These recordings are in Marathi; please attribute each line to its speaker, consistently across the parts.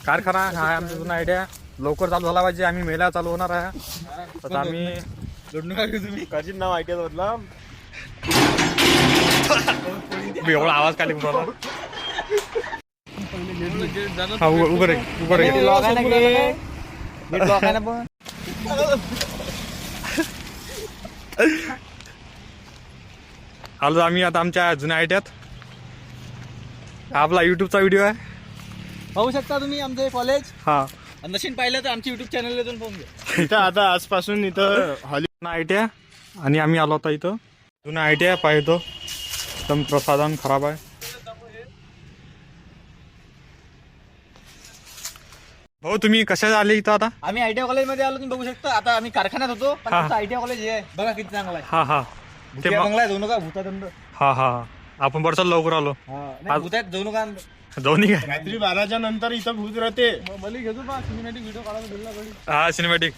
Speaker 1: कारखाना हा आहे आमचा जुना आयडिया. लवकर चालू झाला पाहिजे. आम्ही मेला चालू होणार आहे. तर आम्ही
Speaker 2: तुम्ही काजीन नाव ऐकत बदला
Speaker 1: एवढा आवाज काढले हा उभं रे उभं रे. आलो आम्ही आता आमच्या जुन्या आयट्यात. आपला युट्यूबचा व्हिडिओ आहे.
Speaker 3: पाहू शकता तुम्ही आमचं कॉलेज.
Speaker 1: हा
Speaker 3: नशीन पाहिलं तर आमच्या युट्यूब चॅनलला जाऊन पाहून घ्या.
Speaker 2: इथं आता आजपासून इथं
Speaker 1: जुना आयट्या आणि आम्ही आलो होता इथं. जुना आयट्या पाहतो एकदम प्रसाधन खराब आहे. भाऊ तुम्ही कशा आले इथं आता?
Speaker 3: आम्ही आयटीआय कॉलेजमध्ये आलो, तुम्ही बघू शकता. आता आम्ही कारखान्यात होतो, पण
Speaker 1: हा.
Speaker 3: आमचं आयटीआय कॉलेज हे आहे बघा किती चांगला आहे.
Speaker 1: हा हा ते
Speaker 3: बंगला आहे, जाऊ नका भूतादंड.
Speaker 1: हा हा आपण बरसात लवकर आलो.
Speaker 3: नाही, भूतात जाऊ नका.
Speaker 1: जाऊन काय
Speaker 2: रात्री 12च्या नंतर इथं भूत राहते.
Speaker 3: मला घेतो बा सिनेमॅटिक व्हिडिओ काढायला दिला गडी.
Speaker 1: हा सिनेमॅटिक.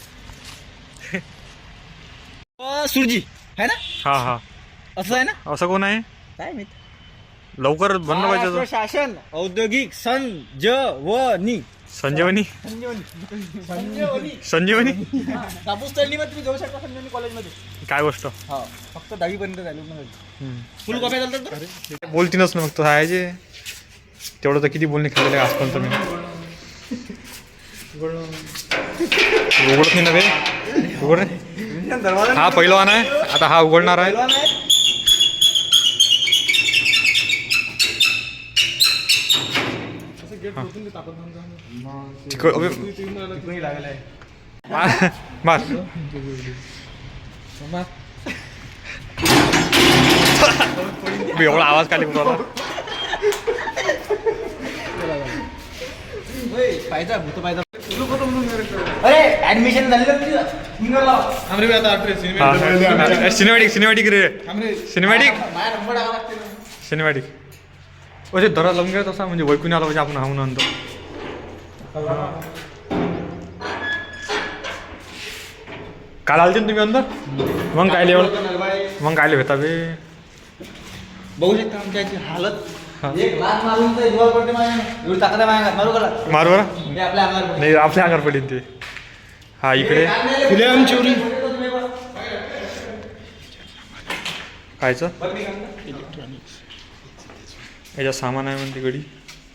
Speaker 3: सुरजी आहे ना?
Speaker 1: हा हा
Speaker 3: असं आहे ना?
Speaker 1: असं कोण आहे?
Speaker 3: काय माहित.
Speaker 1: लवकर बनलं पाहिजे तो.
Speaker 3: शासन औद्योगिक संजीवनी.
Speaker 1: संजीवनी
Speaker 3: संजीवनी
Speaker 1: संजीवनी
Speaker 3: कापूस तळणीमध्ये तुम्ही जाऊ शकता. संजीवनी कॉलेजमध्ये
Speaker 1: काय गोष्ट.
Speaker 3: हा फक्त 10वी पर्यंत झालो ना. फुल कॉपी चालतात तर.
Speaker 1: बोलतीनच ना फक्त आहे जे तेवढं तर किती बोलणे खेळलेलं आहे आजपर्यंत मी. उघडत नाही ना बे. उघड रे. हा पहिलवान आहे आता. हा उघडणार आहे. मार एवढा आवाज काढले मला.
Speaker 3: पाहिजे भूत पाहिजे. अरे ऍडमिशन झालं
Speaker 1: सिनेमॅटिक सिनेमॅटिक रे. सिनेमॅटिक
Speaker 3: माझा नंबर टाका लागते.
Speaker 1: सिनेमॅटिक म्हणजे दरा लावून घ्या तसा म्हणजे वैकून आला पाहिजे आपण हाऊन आणतो. काल आलते ना तुम्ही अंदर. मग काय लेवल मग काय भेटा बे.
Speaker 3: बघू शकता आमच्या याची हालत. एक लाख मारून तर जीवावर पडते माझ्या. एवढी ताकद आहे माझ्या. मारू करा
Speaker 1: मार बरं.
Speaker 3: हे आपल्या अंगावर पडते.
Speaker 1: नाही आपल्या अंगावर पडेल ते. हा इकडे
Speaker 2: खुलेआम चोरी.
Speaker 1: कायचं याच्यात सामान आहे म्हणते गडी.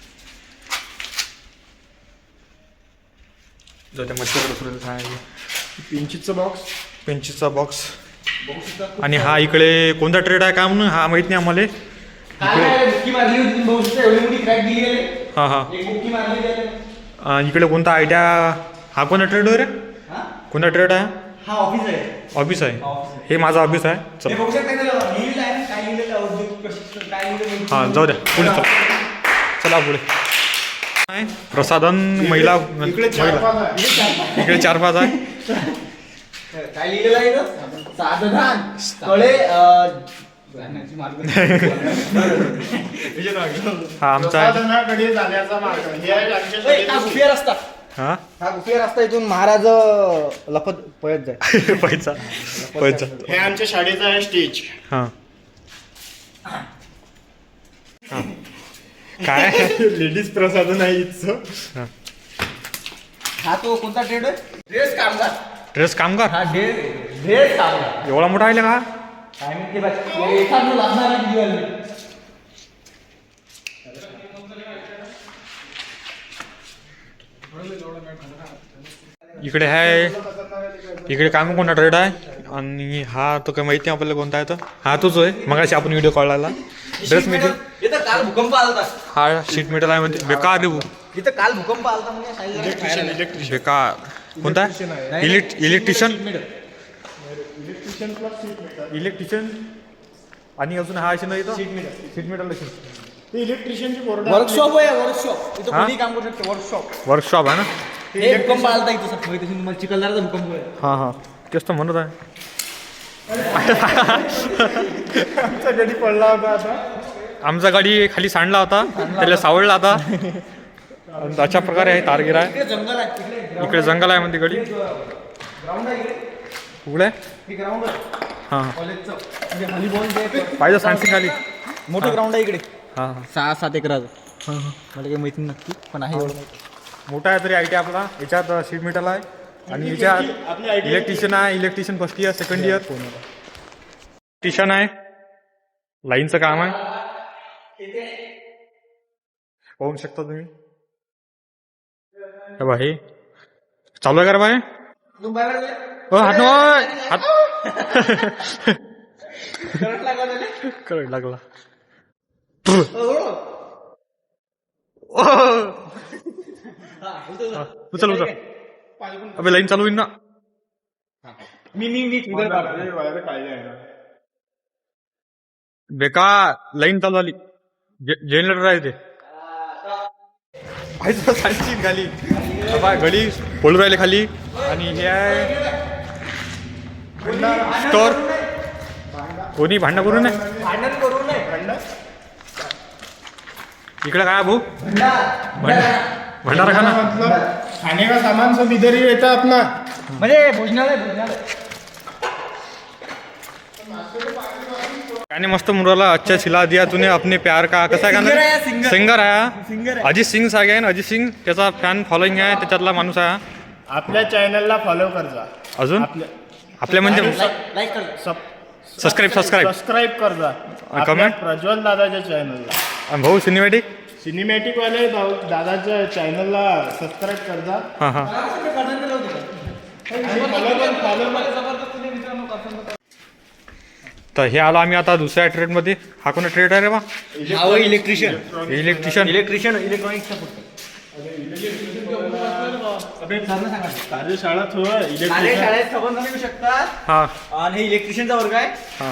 Speaker 1: जो त्या मच्छर आहे.
Speaker 2: पिंचीचं बॉक्स.
Speaker 1: पेन्सिलचा बॉक्स. आणि हा इकडे कोणता ट्रेड आहे का म्हणून हा माहित नाही आम्हाला.
Speaker 3: बुक्की मारली होती तुम्ही बघू शकता. एवढी मोठी क्रॅक दिली गेली.
Speaker 1: हा हा
Speaker 3: एक बुक्की मारली गेली.
Speaker 1: इकडे कोणता आयडिया. हा कोणता ट्रेड रे.
Speaker 3: हा
Speaker 1: कोणता ट्रेड आहे.
Speaker 3: हा ऑफिस आहे.
Speaker 1: ऑफिस आहे. हे माझं ऑफिस आहे.
Speaker 3: हे
Speaker 1: चल
Speaker 3: बघू शकता लिहिलं आहे काय लिहिलेलं औद्योगिक प्रशिक्षण काय लिहिलेलं.
Speaker 1: हा जाऊ द्या पुढे चला. चला पुढे. प्रसाधन महिला
Speaker 2: इकडे 4-5 आहे.
Speaker 1: इकडे 4-5 आहे.
Speaker 3: काय लिहिलेलं आहे इथं? साधनान कळे
Speaker 1: हा आमचा आहे.
Speaker 2: साधनाकडे जाण्याचा मार्ग. हे आहे आमच्या
Speaker 3: हा
Speaker 2: शाळेचं
Speaker 3: गुफिया रस्ता.
Speaker 1: हा
Speaker 3: हा गुफिया रस्ता. इथून महाराज लपत पळत जाय.
Speaker 1: पैसा पैसा.
Speaker 2: हे आमच्या शाळेचं आहे स्टेज.
Speaker 1: हा हा काय
Speaker 2: लेडीज प्रसाधन आहे इथचं.
Speaker 1: हा.
Speaker 3: हा तो कोणता ट्रेड आहे? ड्रेस कामगार.
Speaker 1: ड्रेस कामगार.
Speaker 3: हा ड्रेस कामगार.
Speaker 1: एवढा मोठा आहे का.
Speaker 3: काय माहिती बघ. एखादं लागणार आहे दिवाळी.
Speaker 1: इकडे आहे. इकडे काम कोणता ट्रेड आहे. आणि हा तो काही माहिती नाही आपल्याला कोणता आहे. तर हा तोच आहे मगाशी आपण व्हिडिओ काढला. Dress material.
Speaker 3: इथं काल भूकंप आलता.
Speaker 1: हा शीट मेटल आहे म्हणते. बेकार रे भाऊ.
Speaker 3: इथं काल भूकंप आलता म्हणजे
Speaker 1: बेकार. कोणता इलेक्ट्रिशियन. इलेक्ट्रिशियन आणि अजून हा असे नाही तर शीट मेटल असेल.
Speaker 2: ते इलेक्ट्रिशियनची बोर्ड.
Speaker 3: वर्कशॉप आहे. वर्कशॉप इथं
Speaker 1: हा?
Speaker 3: कोणी काम करू शकते. वर्कशॉप.
Speaker 1: वर्कशॉप आहे ना.
Speaker 3: हे भूकंप आलता इथं सर. माहिती असेल तुम्हाला चिखलदराचा भूकंप आहे.
Speaker 1: हा हा तेच तर म्हणत आहे.
Speaker 2: आमचा गडी पडला होता आता.
Speaker 1: आमचा गाडी खाली सांडला होता. त्याला सावळला होता. आणि अशा प्रकारे आहे तारगिरा आहे.
Speaker 3: इकडे जंगल आहे.
Speaker 1: इकडे जंगल आहे म्हणते गडी.
Speaker 3: ग्राउंड आहे इकडे.
Speaker 1: उघडे
Speaker 3: हे ग्राउंड आहे
Speaker 1: हां हां
Speaker 3: कॉलेजचं. म्हणजे व्हॉलीबॉल जे आहे
Speaker 1: पाहिजे सांगते खाली.
Speaker 3: मोठं ग्राउंड आहे इकडे.
Speaker 1: हां हां
Speaker 3: 6-7 एकराचं. मला काही माहिती नक्की पण आहे एवढं माहिती.
Speaker 1: मोठा आहे तरी आय टी आपला. याच्यात शीट मेटल आहे आणि याच्यात इलेक्ट्रिशियन आहे. Electrician first year second year electrician आहे. लाईनचं काम आहे पाहू शकता तुम्ही. हे चालू आहे का रे बाय. हात हात करंट लागला. उचल उचल. अबे लाईन चालू होईल ना.
Speaker 3: मी
Speaker 1: बेकार लाईन चालू झाली. जनरेटर आहे ते खाली गडी पळू राहिले खाली. आणि हे आहे स्टोर. कोणी भांडण करू नये. इकडे काय भाऊ भंडारा खाना
Speaker 2: मतलब खाने का सामान सब इधर ही रहता अपना.
Speaker 3: म्हणजे भोजनालय
Speaker 1: गाने मस्त मुराला अच्छा छिला दिया तूने अपने प्यार का. कसा आहे गाणं. सिंगर आहे अजित सिंग सागे आहे. अजित सिंग त्याचा फॅन फॉलोइंग आहे. त्याच्यातला माणूस आहे.
Speaker 2: आपल्या चॅनलला फॉलो कर जा.
Speaker 1: अजून आपल्या म्हणजे
Speaker 3: लाईक कर.
Speaker 1: सबस्क्राईब
Speaker 2: कर जा.
Speaker 1: कमेंट
Speaker 2: प्रज्वल दादाच्या चॅनलला.
Speaker 1: भाऊ सिनेमॅटिक
Speaker 2: सिनेमॅटिक वाले दादाच्या चॅनलला सबस्क्राईब कर जा.
Speaker 1: हां हां. तर हे आलो आम्ही आता दुसऱ्या ट्रेडमध्ये. हा कोणता ट्रेड आहे रे बा.
Speaker 3: इलेक्ट्रिशियन
Speaker 1: इलेक्ट्रिशियनचा
Speaker 2: कार्यशाळा
Speaker 3: शाळेत संबंध देऊ शकतात.
Speaker 1: हा
Speaker 3: आणि इलेक्ट्रिशियनचा वर्ग आहे.
Speaker 1: हा.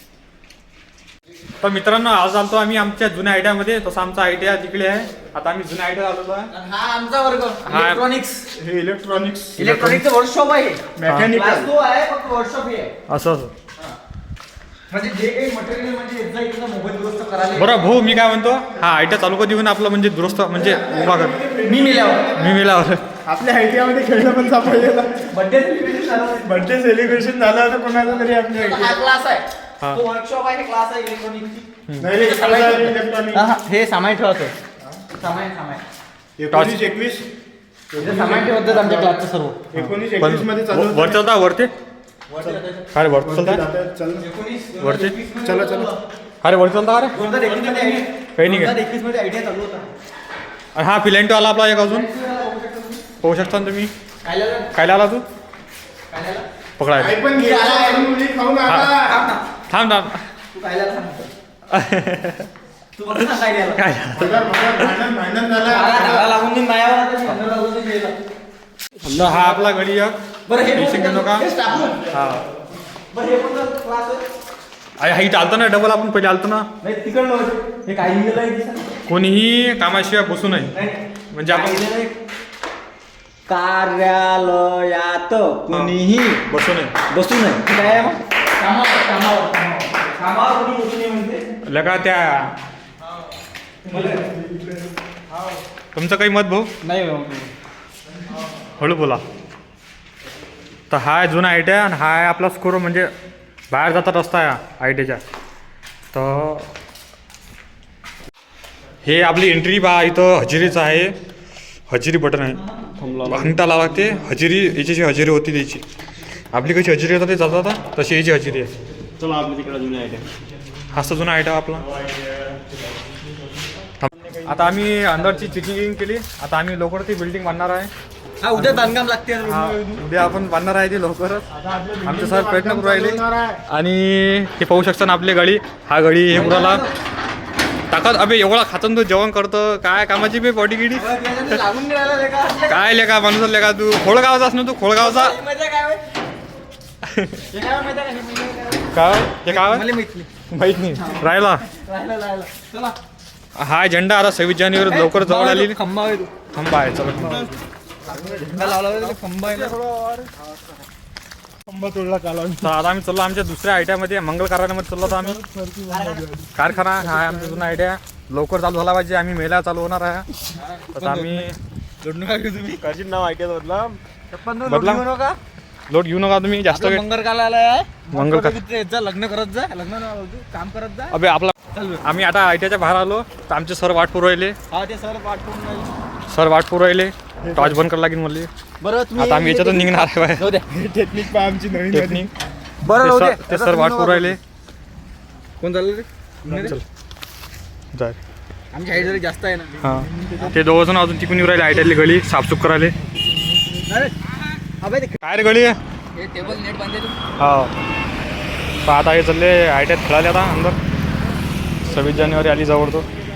Speaker 1: तर मित्रांनो आज आलतो आम्ही आमच्या जुन्या आयडियामध्ये. तसं आमचा आयडिया तिकडे आहे. आता आम्ही जुन्या आयडिया आलेलो आहे.
Speaker 3: आणि हा आमचा वर्ग इलेक्ट्रॉनिक्स.
Speaker 2: हे
Speaker 3: इलेक्ट्रॉनिकचं वर्कशॉप आहे.
Speaker 2: मेकॅनिकल
Speaker 3: तो आहे फक्त वर्कशॉप आहे.
Speaker 1: असं
Speaker 3: म्हणजे जे काही मटेरियल म्हणजे एकदा इथला मोबाईल दुरुस्त करायला.
Speaker 1: बरं भाऊ मी काय म्हणतो. हा आयडिया चालू कधी होऊन आपलं म्हणजे दुरुस्त म्हणजे उभा कर.
Speaker 3: मी
Speaker 1: मिळावर
Speaker 2: आपल्या आयटीआमध्ये खेळणं पण सापडलेलं.
Speaker 3: बर्थडे
Speaker 2: सेलिब्रेशन झालं तर कोणाचं तरी आपल्या
Speaker 3: हा क्लास आहे.
Speaker 1: हा.
Speaker 3: तो वर्कशॉप आहे. क्लास आहे इलेक्ट्रॉनिकची.
Speaker 2: इलेक्ट्रॉनिक.
Speaker 3: हे सामान ठेवतो. सामान
Speaker 2: 19-21
Speaker 3: सामान ठेवतात आमच्या क्लासचं सर्व.
Speaker 2: 19-21 मध्ये चालू होतं.
Speaker 1: वर चालता वरते. अरे वर चालता
Speaker 2: चल
Speaker 1: वरते.
Speaker 2: चला
Speaker 1: अरे वर चालता अरे
Speaker 3: 2021 मध्ये
Speaker 1: काही नाही काय.
Speaker 3: 2021 मध्ये आयडिया चालू होता.
Speaker 1: आणि हा फिलेंटो आला आपला एक अजून पाहू शकता तुम्ही. काय आला तू पकडाय.
Speaker 2: काही पण मुली खाऊन आला.
Speaker 1: थांब
Speaker 3: तू काय सांगतो. तू बरं सांग काय द्यायला.
Speaker 1: काय
Speaker 2: भांडण झालं.
Speaker 3: झाला लागून देऊन मायावर आता मी अंदर लावलं ते गेलं.
Speaker 1: हा आपला गडी एक.
Speaker 3: बरं हे
Speaker 1: टेन्शन घेऊ नका.
Speaker 3: हे स्टाफ रूम.
Speaker 1: हा
Speaker 3: बरं हे पण क्लास आहे.
Speaker 1: अरे हा इथं आलतो ना डबल. आपण पहिले आलतो ना.
Speaker 3: नाही तिकडलं होतं. हे काय लिहिलेलं आहे दिसा.
Speaker 1: कोणीही कामाशिवाय बसू नये.
Speaker 3: नाही
Speaker 1: म्हणजे आपण
Speaker 3: कार्यालयात कोणीही
Speaker 1: बसू नये.
Speaker 3: बसू नये. हे काय आहे मग. कामावर कोणी बसू नये म्हणजे.
Speaker 1: लगा त्या तुमचं काही मत भाऊ.
Speaker 3: नाही
Speaker 1: हळू बोला. तर हा आहे जुना आयडिया आणि हा आहे आपला स्कोर म्हणजे बाहेर जाता रस्ता आहे आयटीच्या. तर हे आपली एंट्री बा इथं हजेरीचं आहे. हजेरी बटन आहे. घंटा लावा लागते. हजेरी याची हजेरी होती त्याची. आपली कशी हजेरी होता ते जाता तशी याची हजेरी आहे.
Speaker 2: चला आपल्या तिकडे जुना आयडिया.
Speaker 1: हाच तर जुना आयडिया आपला. आता आम्ही अंदरची चेकिंग केली. आता आम्ही लवकर ती बिल्डिंग बांधणार आहे.
Speaker 3: हा उद्या बांधकाम लागते.
Speaker 1: हा उद्या आपण बांधणार आहे ते लवकरच. आमचे सर प्रयत्न करू राहिले. आणि हे पाहू शकता ना आपली गाडी. हा गाडी हे मुलाला ताकद. अबे एवढा खातून तू जेवण करतो. काय कामाची बे बॉडी गिडी.
Speaker 3: लागून राहिला
Speaker 1: काय लेका माणूस लेका तू. खोळगावचाच ना तू. खोळगावचा काय हे काय माहित नाही राहिला.
Speaker 3: चला
Speaker 1: हा झेंडा आता 26 जानेवारी लवकर जवळ आली.
Speaker 3: खंबा आहे.
Speaker 1: खंबा आहे. चला
Speaker 3: झेंडा लावला खंबा आहे.
Speaker 2: खंबा तोडला काला.
Speaker 1: तर आता आम्ही चाललो आमच्या दुसऱ्या आयडियामध्ये मंगल कारखान्यामध्ये चाललो. आता आम्ही कारखाना हा आहे आमचा जुना आयडिया. लवकर चालू झाला पाहिजे. आम्ही मेला चालू होणार आहे. तर आम्ही
Speaker 3: जोडून काय तुम्ही
Speaker 2: काजीन नाव आयडिया बदला.
Speaker 3: बदला
Speaker 1: लोट घेऊ नका तुम्ही जास्त.
Speaker 3: मंगल कार्यालय आहे.
Speaker 1: मंगल
Speaker 3: जा लग्न करत जा. लग्न काम करत जा.
Speaker 1: अबे आपला आम्ही आता आयटीआयच्या बाहेर आलो. तर आमचे सर वाट पुरवले.
Speaker 3: हा ते सर पाठवून
Speaker 1: सर वाट पुरवू राहिले टॉर्च बंद करायला लागेल मला
Speaker 3: बरं
Speaker 1: आता आम्ही याच्यातून निघणार आहे बाहेर.
Speaker 3: जाऊ द्या.
Speaker 2: टेक्निक पहा आमची नवीन झाली.
Speaker 1: टेक्निक
Speaker 3: बरं राहू दे.
Speaker 1: ते सर वाट पुरवू राहिले.
Speaker 3: कोण चाललं रे?
Speaker 1: चल जाय.
Speaker 3: आमची हाईट जरी जास्त आहे ना.
Speaker 1: हां ते दोघं जण अजून तिकून येऊ राहिले आयटीआयली गली साफसूफ करायले.
Speaker 3: अरे अबे ते
Speaker 1: काय रे गली आहे?
Speaker 3: हे टेबल नेट बांधले तू.
Speaker 1: हा आता हे चालले आयटीआयत खेळाले आता अंदर 26 जानेवारी आली जवळ तो